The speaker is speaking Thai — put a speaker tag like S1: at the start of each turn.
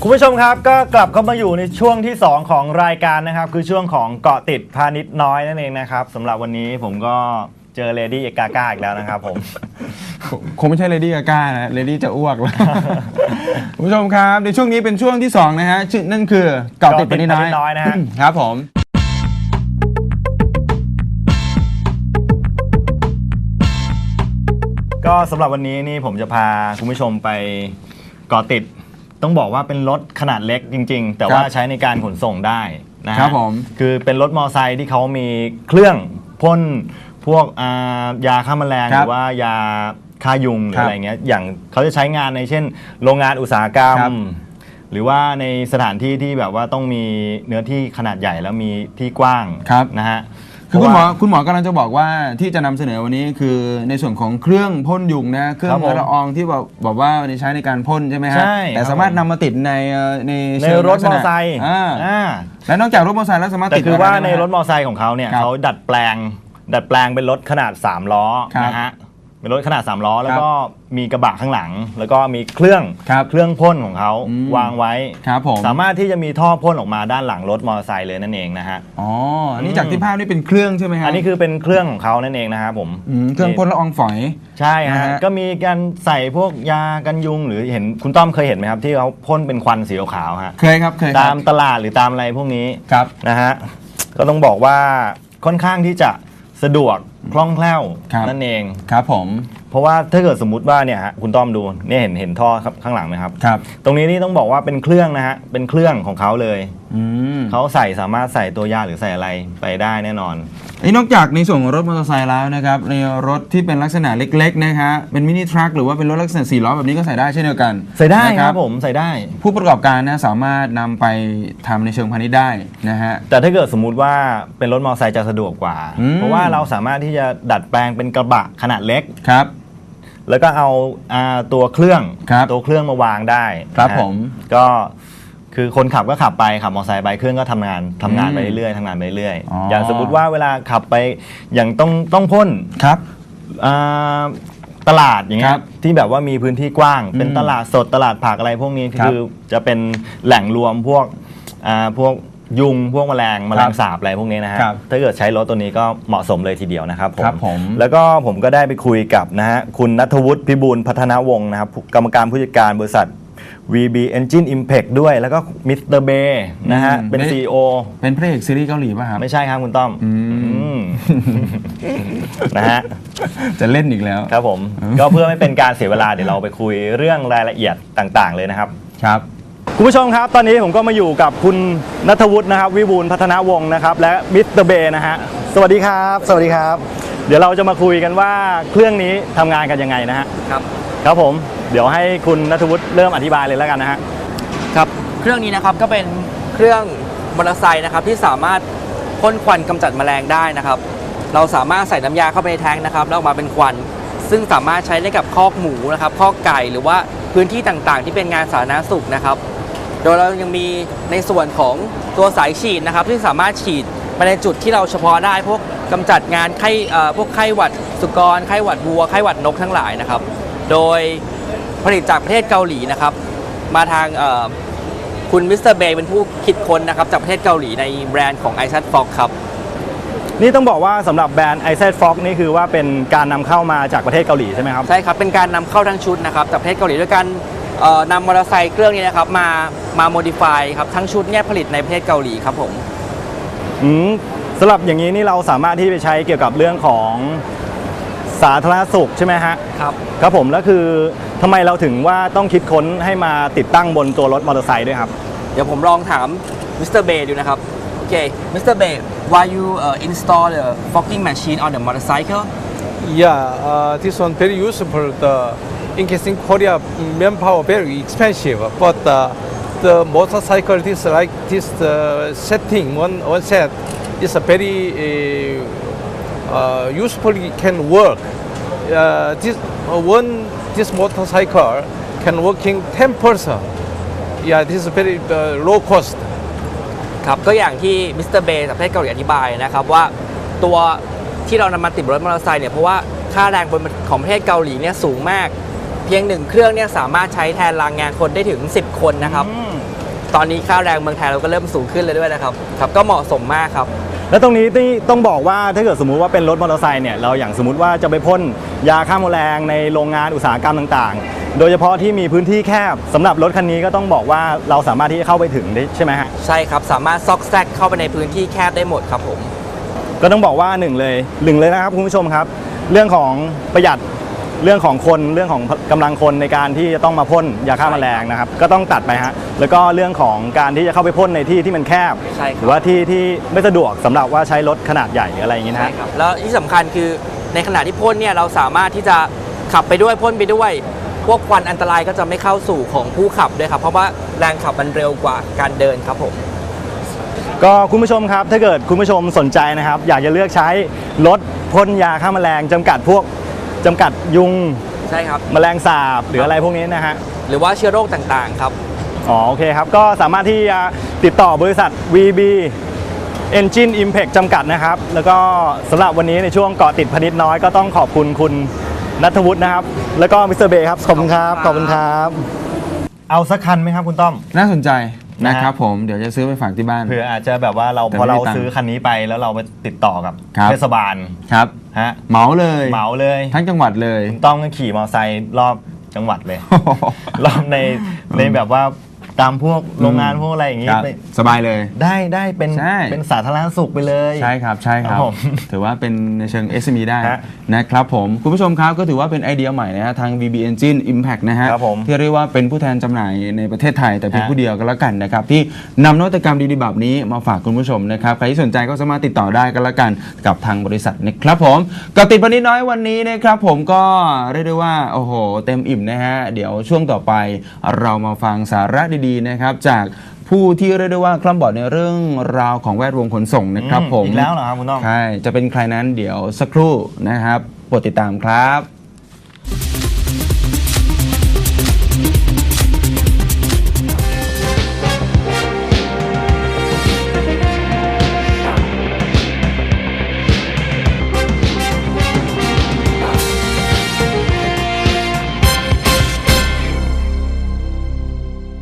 S1: คุณผู้ชมครับก็กลับเข้ามาอยู่ในช่วงที่2ของรายการนะครับคือช่วงของเกาะติดพาณิชย์น้อยนั่นเองนะครับสำหรับวันนี้ผมก็เจอเลดี้เอกาก้าอีกแล้วนะครับผม
S2: คงไม่ใช่เลดี้กาก้านะเลดี้จะอ้วกแล้วคุณผู้ชมครับในช่วงนี้เป็นช่วงที่2นะฮะนั่นคือเกาะติดพาณิชย์น้อย
S1: นะฮะ
S2: ครับผม
S1: ก็สำหรับวันนี้นี่ผมจะพาคุณผู้ชมไปเกาะติดต้องบอกว่าเป็นรถขนาดเล็กจริงๆแต่ว่าใช้ในการขนส่งได้นะครับผมคือเป็นรถมอเตอร์ไซค์ที่เขามีเครื่องพ่นพวกยาฆ่าแมลงหรือว่ายาฆ่ายุงหรืออะไรเงี้ยอย่างเขาจะใช้งานในเช่นโรงงานอุตสาหกรรมหรือว่าในสถานที่ที่แบบว่าต้องมีเนื้อที่ขนาดใหญ่แล้วมีที่กว้างนะฮะ
S2: คือคุณหมอกำลังจะบอกว่าที่จะนำเสนอวันนี้คือในส่วนของเครื่องพ่นยุงนะเครื่องละอองที่บอกว่าใช้ในการพ่นใช่ไหมฮะแต่สามารถนำมาติดใน
S1: รถมอเตอร์ไซค์
S2: และนอกจากรถมอเตอร์ไซค์แล้วสามารถติด
S1: แต่คือว่าในรถมอเตอร์ไซค์ของเขาเนี่ยเขาดัดแปลงเป็นรถขนาด3ล้อนะฮะเป็นรถขนาด3ล้อแล้วก็มีกระบะข้างหลังแล้วก็มีเครื่องพ่นของเขาวางไว้สามารถที่จะมีท่อพ่นออกมาด้านหลังรถมอเตอร์ไซค์เลยนั่นเองนะฮะ
S2: อ๋ออันนี้จากที่ภาพนี่เป็นเครื่องใช่ไหมฮะ
S1: อันนี้คือเป็นเครื่องของเขานั่นเองนะครับผม
S2: เครื่องพ่นละอองฝอย
S1: ใช่ฮะก็มีการใส่พวกยากันยุงหรือเห็นคุณต้อมเคยเห็นไหมครับที่เขาพ่นเป็นควันสีขาวฮะ
S2: เคยครับ
S1: ตามตลาดหรือตามอะไรพวกนี้นะฮะก็ต้องบอกว่าค่อนข้างที่จะสะดวกคล่องแคล่วนั่นเอง
S2: ครับผม
S1: เพราะว่าถ้าเกิดสมมุติว่าเนี่ยฮะคุณต้อมดูเนี่ยเห็นท่อข้างหลังไหมครับตรงนี้นี่ต้องบอกว่าเป็นเครื่องนะฮะเป็นเครื่องของเขาเลยเขาสามารถใส่ตัวยาหรือใส่อะไรไปได้แน่นอน
S2: นอกจากในส่วนของรถมอเตอร์ไซค์แล้วนะครับในรถที่เป็นลักษณะเล็กๆนะฮะเป็นมินิทรัคหรือว่าเป็นรถลักษณะ4ล้อแบบนี้ก็ใส่ได้เช่นเดียวกัน
S1: ใส่ได้ครับผมใส่ได้
S2: ผู้ประกอบการนะสามารถนำไปทำในเชิงพาณิชย์ได้นะฮะ
S1: แต่ถ้าเกิดสมมุติว่าเป็นรถมอเตอร์ไซค์จะสะดวกกว่าเพราะว่าเราสามารถที่จะดัดแปลงเป็นกระบะขนาดเล็ก
S2: ครับ
S1: แล้วก็เอาตัวเครื่องมาวางได้
S2: ครับผม
S1: ก็คือคนขับก็ขับไปขับมอเตอร์ไซค์ไปเครื่องก็ทำงานไปเรื่อยๆอย่างสมมติว่าเวลาขับไปอย่างต้องพ่น
S2: ครับ
S1: ตลาดอย่างเงี้ยที่แบบว่ามีพื้นที่กว้างเป็นตลาดสดตลาดผักอะไรพวกนี้คือจะเป็นแหล่งรวมพวกยุงพวกแมลงสาบอะไรพวกนี้นะฮะถ้าเกิดใช้รถตัวนี้ก็เหมาะสมเลยทีเดียวนะครับผมแล้วก็ผมก็ได้ไปคุยกับนะฮะคุณณัฐวุฒิพิบูลพัฒนาวงศ์นะครับกรรมการผู้จัดการบริษัท VB Engine Impact ด้วยแล้วก็มิสเตอร์เบย์นะฮะเป็น CEO
S2: เป็นพระเอกซีรีส์เกาหลีป่ะครับ
S1: ไม่ใช่ครับคุณต้อมนะฮะ
S2: จะเล่นอีกแล้ว
S1: ครับผมก็เพื่อไม่เป็นการเสียเวลาเดี๋ยวเราไปคุยเรื่องรายละเอียดต่างๆเลยนะครับ
S2: ครับ
S1: คุณผู้ชมครับตอนนี้ผมก็มาอยู่กับคุณณัฐวุฒินะครับวิบูลย์พัฒนาวงศ์นะครับและมิสเตอร์เบย์นะฮะสวัสดีครับสวัสดีครับเดี๋ยวเราจะมาคุยกันว่าเครื่องนี้ทำงานกันยังไงนะฮะครับผมเดี๋ยวให้คุณณัฐวุฒิเริ่มอธิบายเลยแล้วกันนะฮะ
S3: ครับเครื่องนี้นะครับก็เป็นเครื่องมอเตอร์ไซค์นะครับที่สามารถพ่นควันกำจัดแมลงได้นะครับเราสามารถใส่น้ำยาเข้าไปในแทงนะครับแล้วออกมาเป็นควันซึ่งสามารถใช้ได้กับคอกหมูนะครับคอกไก่หรือว่าพื้นที่ต่างๆที่เป็นงานสาธารณสุขนะครับโดยเรายังมีในส่วนของตัวสายฉีดนะครับที่สามารถฉีดไปในจุดที่เราเฉพาะได้พวกกำจัดงานพวกไข้หวัดสุกรไข้หวัดวัวไข้หวัดนกทั้งหลายนะครับโดยผลิตจากประเทศเกาหลีนะครับมาทางคุณมิสเตอร์เบย์เป็นผู้คิดค้นนะครับจากประเทศเกาหลีในแบรนด์ของ iZet Fox ครับ
S1: นี่ต้องบอกว่าสำหรับแบรนด์ iZet Fox นี่คือว่าเป็นการนำเข้ามาจากประเทศเกาหลีใช่ไหมครับ
S3: ใช่ครับเป็นการนำเข้าทั้งชุดนะครับจากประเทศเกาหลีด้วยกันนำมอเตอร์ไซค์เครื่องนี้นะครับมาโมดิฟายครับทั้งชุดเนี่ยผลิตในประเทศเกาหลีครับผม
S1: สำหรับอย่างนี้นี่เราสามารถที่ไปใช้เกี่ยวกับเรื่องของสาธารณสุขใช่ไหมฮะครับผมแล้วคือทำไมเราถึงว่าต้องคิดค้นให้มาติดตั้งบนตัวรถมอเตอร์ไซค์ด้วยครับ
S3: เดี๋ยวผมลองถามมิสเตอร์เบย์ดูนะครับโอเคมิสเตอร์เบย์ why you install the fogging machine on the motorcycle
S4: Yeah, this one very useful. In case in Korea, manpower very expensive, but the motorcycle this like this setting one set is a very useful can work. This motorcycle can working 10 person. Yeah, this is very low cost.
S3: ครับก็อย่างที่มิสเตอร์เบย์จากประเทศเกาหลีอธิบายนะครับว่าตัวที่เรานำมาติดรถมอเตอร์ไซค์เนี่ยเพราะว่าค่าแรงของประเทศเกาหลีเนี่ยสูงมากเพียง1เครื่องเนี่ยสามารถใช้แทนแรงงานคนได้ถึง10คนนะครับตอนนี้ค่าแรงเมืองไทยเราก็เริ่มสูงขึ้นเลยด้วยนะครับก็เหมาะสมมากครับ
S1: แล้วตรงนี้ที่ต้องบอกว่าถ้าเกิดสมมุติว่าเป็นรถมอเตอร์ไซค์เนี่ยเราอย่างสมมติว่าจะไปพ่นยาฆ่าแมลงในโรงงานอุตสาหกรรมต่างๆ โดยเฉพาะที่มีพื้นที่แคบสำหรับรถคันนี้ก็ต้องบอกว่าเราสามารถที่จะเข้าไปถึงได้ใช่ไหมฮะ
S3: ใช่ครับสามารถซอกแซกเข้าไปในพื้นที่แคบได้หมดครับผม
S1: ก็ต้องบอกว่าหนึ่งเลยนะครับคุณผู้ชมครับเรื่องของประหยัดเรื่องของคนเรื่องของกำลังคนในการที่จะต้องมาพ่นยาฆ่าแมลงนะครับก็ต้องตัดไปฮะแล้วก็เรื่องของการที่จะเข้าไปพ่นในที่ที่มันแคบ
S3: ใช่ครับ
S1: หรือว่าที่ไม่สะดวกสำหรับว่าใช้รถขนาดใหญ่อะไรอย่างนี้นะ
S3: ใช่
S1: ฮะ
S3: ครับแล้วที่สำคัญคือในขณะที่พ่นเนี่ยเราสามารถที่จะขับไปด้วยพ่นไปด้วย พวกควันอันตรายก็จะไม่เข้าสู่ของผู้ขับด้วยครับเพราะว่าแรงขับมันเร็วกว่าการเดินครับผม
S1: ก็คุณผู้ชมครับถ้าเกิดคุณผู้ชมสนใจนะครับอยากจะเลือกใช้รถพ่นยาฆ่าแมลงจำกัดยุง
S3: ใช่ครับ
S1: แมลงสาบหรืออะไรพวกนี้นะฮะ
S3: หรือว่าเชื้อโรคต่างๆครับ
S1: อ๋อโอเคครับก็สามารถที่จะติดต่อบริษัท VB Engine Impact จำกัดนะครับแล้วก็สำหรับวันนี้ในช่วงเกาะติดพนิดน้อยก็ต้องขอบคุณคุณณัฐวุฒินะครับแล้วก็มิสเตอร์เบย์ครับขอบคุณครับขอบคุณครับเอาสักคันไหมครับคุณต้อม
S2: น่าสนใจ
S1: นะ
S2: นะ
S1: ฮะ
S2: ครับผมเดี๋ยวจะซื้อไปฝากที่บ้าน
S1: เผื่ออาจจะแบบว่าเรา
S2: แต่
S1: พอ
S2: ไม่
S1: เรา
S2: มีตังค์
S1: ซื้อคันนี้ไปแล้วเราไปติดต่อกับ
S2: ครับ
S1: เทศบาล
S2: ครับ
S1: ฮะ
S2: เหมาเลย
S1: เหมาเลย
S2: ทั้งจังหวัดเลย
S1: คุณต้อมก็ขี่มอเตอร์ไซค์รอบจังหวัดเลย รอบในแบบว่าตามพวกโรงงานพวกอะไรอย่างงี้
S2: ครับ
S1: ไป
S2: สบายเลย
S1: ได้เป็น
S2: ใช่
S1: เป็นสาธารณสุขไปเลย
S2: ใช่ครับใช่ครับ
S1: ครับผม
S2: ถือว่าเป็นในเชิง SME ได้
S1: ฮะ
S2: นะครับผมคุณผู้ชมครับก็ถือว่าเป็นไอเดียใหม่นะฮะทาง VB Engine Impact นะฮะ
S1: ครับผม
S2: ที่เรียกว่าเป็นผู้แทนจำหน่ายในประเทศไทยแต่เพียง
S1: ฮะ
S2: ผู้เดียวก็แล้วกันนะครับที่นำนวัตกรรมดีๆแบบนี้มาฝากคุณผู้ชมนะครับใครที่สนใจก็สามารถติดต่อได้ก็แล้วกันกับทางบริษัทนะครับผมกับติดปนิดน้อยวันนี้นะครับผมก็เรียกได้ว่าโอ้โหเต็มอิ่มนะฮะเดี๋ยวช่วงต่อไปเรามาฟังสาระดีๆนะครับจากผู้ที่เรียกได้ว่าคล่ำบอดในเรื่องราวของแวดวงขนส่งนะครับผม
S1: อีกแล้วเหรอครับคุณต้อม
S2: ใช่ จะเป็นใครนั้นเดี๋ยวสักครู่นะครับโปรดติดตามครับ